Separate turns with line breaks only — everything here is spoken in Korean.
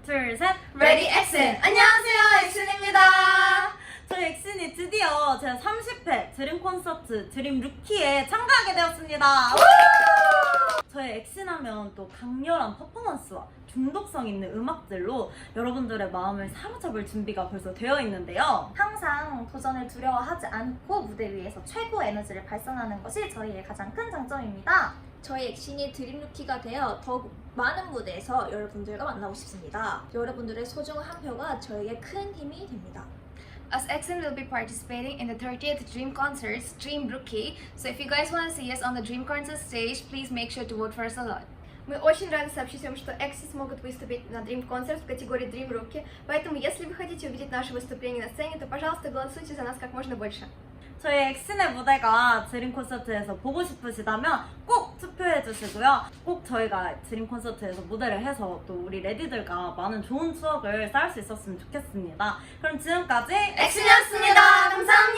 둘, 셋!
레디 엑슨! 안녕하세요, 엑슨입니다.
저희 엑슨이 드디어 제 30회 드림 콘서트 드림 루키에 참가하게 되었습니다. 저희 엑슨하면 또 강렬한 퍼포먼스와 중독성 있는 음악들로 여러분들의 마음을 사로잡을 준비가 벌써 되어 있는데요.
항상 도전을 두려워하지 않고 무대 위에서 최고 에너지를 발산하는 것이 저희의 가장 큰 장점입니다.
저희 엑신이 드림루키가 되어 더욱 많은 무대에서 여러분들과 만나고 싶습니다. 여러분들의 소중한 한 표가 저에게 큰 힘이 됩니다.
As EXIN will be participating in the 30th Dream Concerts, Dream Rookie, so if you guys want to see us on the Dream Concert stage, please make sure to vote for us a lot.
Мы очень рады сообщить вам, что Экси смогут выступить на Dream Concert в категории Dream Rookie, поэтому если вы хотите увидеть наше выступление на сцене, то, пожалуйста, голосуйте за нас как можно больше.
저희 엑슨의 무대가 드림 콘서트에서 보고 싶으시다면 꼭 투표해 주시고요. 꼭 저희가 드림 콘서트에서 무대를 해서 또 우리 레디들과 많은 좋은 추억을 쌓을 수 있었으면 좋겠습니다. 그럼 지금까지
엑슨이었습니다. 감사합니다.